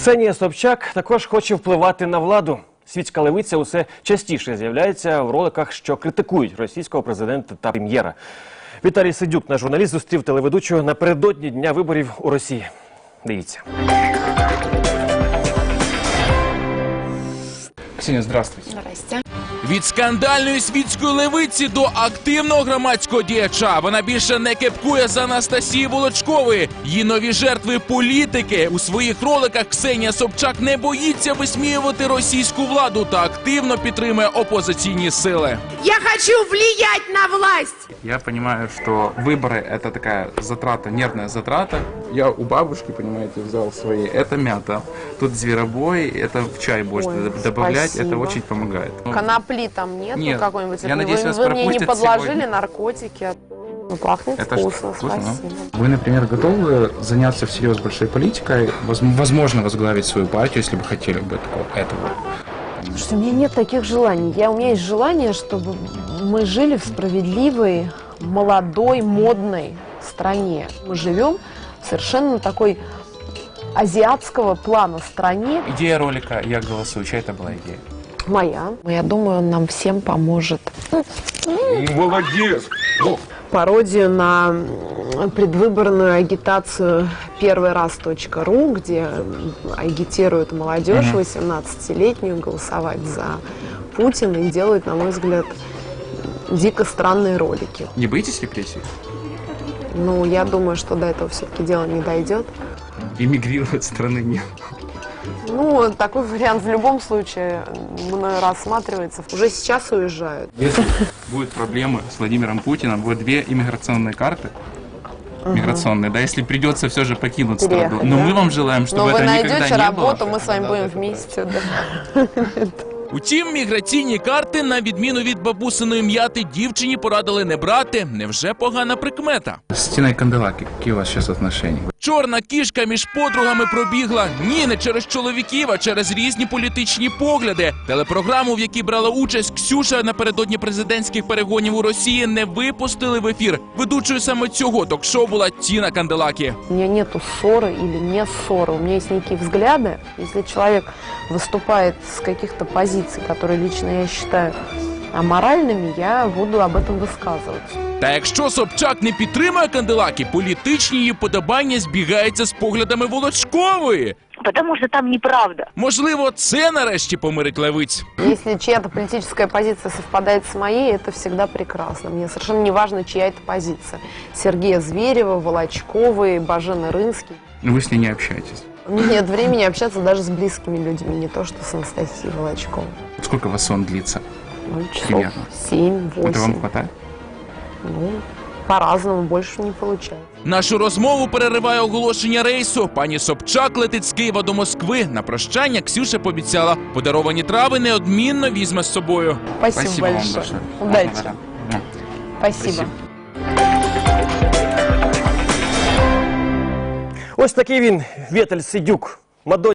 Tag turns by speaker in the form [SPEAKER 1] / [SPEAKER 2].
[SPEAKER 1] Ксенія Собчак також хоче впливати на владу. Світська левиця усе частіше з'являється в роликах, що критикують російського президента та прем'єра. Віталій Сидюк, наш журналіст, зустрів телеведучого напередодні дня виборів у Росії. Дивіться.
[SPEAKER 2] Ксения, здравствуйте.
[SPEAKER 3] Здрасте.
[SPEAKER 4] Від скандальної світської левиці до активного громадського діяча. Вона більше не кепкує за Анастасії Волочкової. Її нові жертви – політики. У своїх роликах Ксенія Собчак не боїться висміювати російську владу та активно підтримує опозиційні сили.
[SPEAKER 3] Я хочу влиять на власть!
[SPEAKER 2] Я понимаю, что выборы – это такая затрата, нервная затрата. Я у бабушки, понимаете, взял свои. Это мята. Тут зверобой, это в чай больше добавлять,
[SPEAKER 3] спасибо.
[SPEAKER 2] это очень помогает.
[SPEAKER 3] Конопли там нет,
[SPEAKER 2] Нет,
[SPEAKER 3] какой-нибудь?
[SPEAKER 2] я надеюсь, вас
[SPEAKER 3] вы мне не
[SPEAKER 2] пропустят
[SPEAKER 3] подложили
[SPEAKER 2] сегодня.
[SPEAKER 3] наркотики? Ну, пахнет
[SPEAKER 2] Это
[SPEAKER 3] вкусно,
[SPEAKER 2] вкусно,
[SPEAKER 3] спасибо.
[SPEAKER 2] Вы, например, готовы заняться всерьез большой политикой, возможно, возглавить свою партию, если бы хотели бы этого?
[SPEAKER 5] Слушайте, у меня нет таких желаний. У меня есть желание, чтобы мы жили в справедливой, молодой, модной стране. Мы живем в совершенно такой азиатского плана стране.
[SPEAKER 2] Идея ролика «Я голосую», чья это была идея?
[SPEAKER 5] Моя. Я думаю, он нам всем поможет.
[SPEAKER 2] Молодец!
[SPEAKER 5] Пародию на предвыборную агитацию первыйраз.ру, где агитируют молодежь 18-летнюю голосовать за Путина и делают, на мой взгляд, дико странные ролики.
[SPEAKER 2] Не боитесь репрессий?
[SPEAKER 5] Ну, я думаю, что до этого все-таки дело не дойдет.
[SPEAKER 2] Эмигрировать страны нет.
[SPEAKER 5] Ну, такой вариант в любом случае мною рассматривается. Уже сейчас уезжают.
[SPEAKER 2] Если будут проблемы с Владимиром Путиным, будет две иммиграционные карты. Миграционные, да, если придется все же покинуть страну. Но мы вам желаем, чтобы
[SPEAKER 5] Но
[SPEAKER 2] это
[SPEAKER 5] вы
[SPEAKER 2] никогда
[SPEAKER 5] найдете
[SPEAKER 2] не
[SPEAKER 5] работу,
[SPEAKER 2] было.
[SPEAKER 5] мы с вами будем вместе. Да.
[SPEAKER 4] Утім, міграційні карти, на відміну від бабусиної м'яти, дівчині порадили не брати. Невже погана прикмета?
[SPEAKER 2] С Тиной Канделаки, какие у вас сейчас отношения?
[SPEAKER 4] Чорна кішка між подругами пробігла. Ні, не через чоловіків, а через різні політичні погляди. Телепрограму, в якій брала участь Ксюша напередодні президентських перегонів у Росії, не випустили в ефір. Ведучою саме цього ток-шоу була Тіна Канделакі.
[SPEAKER 5] У меня нету ссоры или не ссоры. У меня есть некие взгляды. Если человек выступает с каких-то позиций, которые лично я считаю аморальными, я буду об этом высказываться.
[SPEAKER 4] Та якщо Собчак не підтримує Канделакі, політичні її подобання збігаються з поглядами Волочкової.
[SPEAKER 6] Потому что там неправда.
[SPEAKER 4] Можливо, це нарешті помирить левиць.
[SPEAKER 5] Если чья-то политическая позиция совпадает с моей, это всегда прекрасно. Мне совершенно не важно, чья это позиция. Сергея Зверева, Волочковой, Бажены Рынский.
[SPEAKER 2] Вы с ней не общаетесь.
[SPEAKER 5] У меня нет времени общаться даже с близкими людьми, не то что с Анастасией Волочковой.
[SPEAKER 2] Сколько у вас сон длится?
[SPEAKER 5] Ну, часов
[SPEAKER 2] Примерно.
[SPEAKER 5] 7-8.
[SPEAKER 2] Это вам хватает?
[SPEAKER 5] Ну, по-разному, больше не получается.
[SPEAKER 4] Нашу розмову перериває оголошення рейсу. Пані Собчак летить з Києва до Москви. На прощання Ксюша пообіцяла, подаровані трави неодмінно візьме з собою.
[SPEAKER 5] Спасибо,
[SPEAKER 2] вам
[SPEAKER 5] большое.
[SPEAKER 2] большое.
[SPEAKER 5] Удачи.
[SPEAKER 2] Да.
[SPEAKER 5] Спасибо.
[SPEAKER 1] Ось такий він, Віталій Сидюк.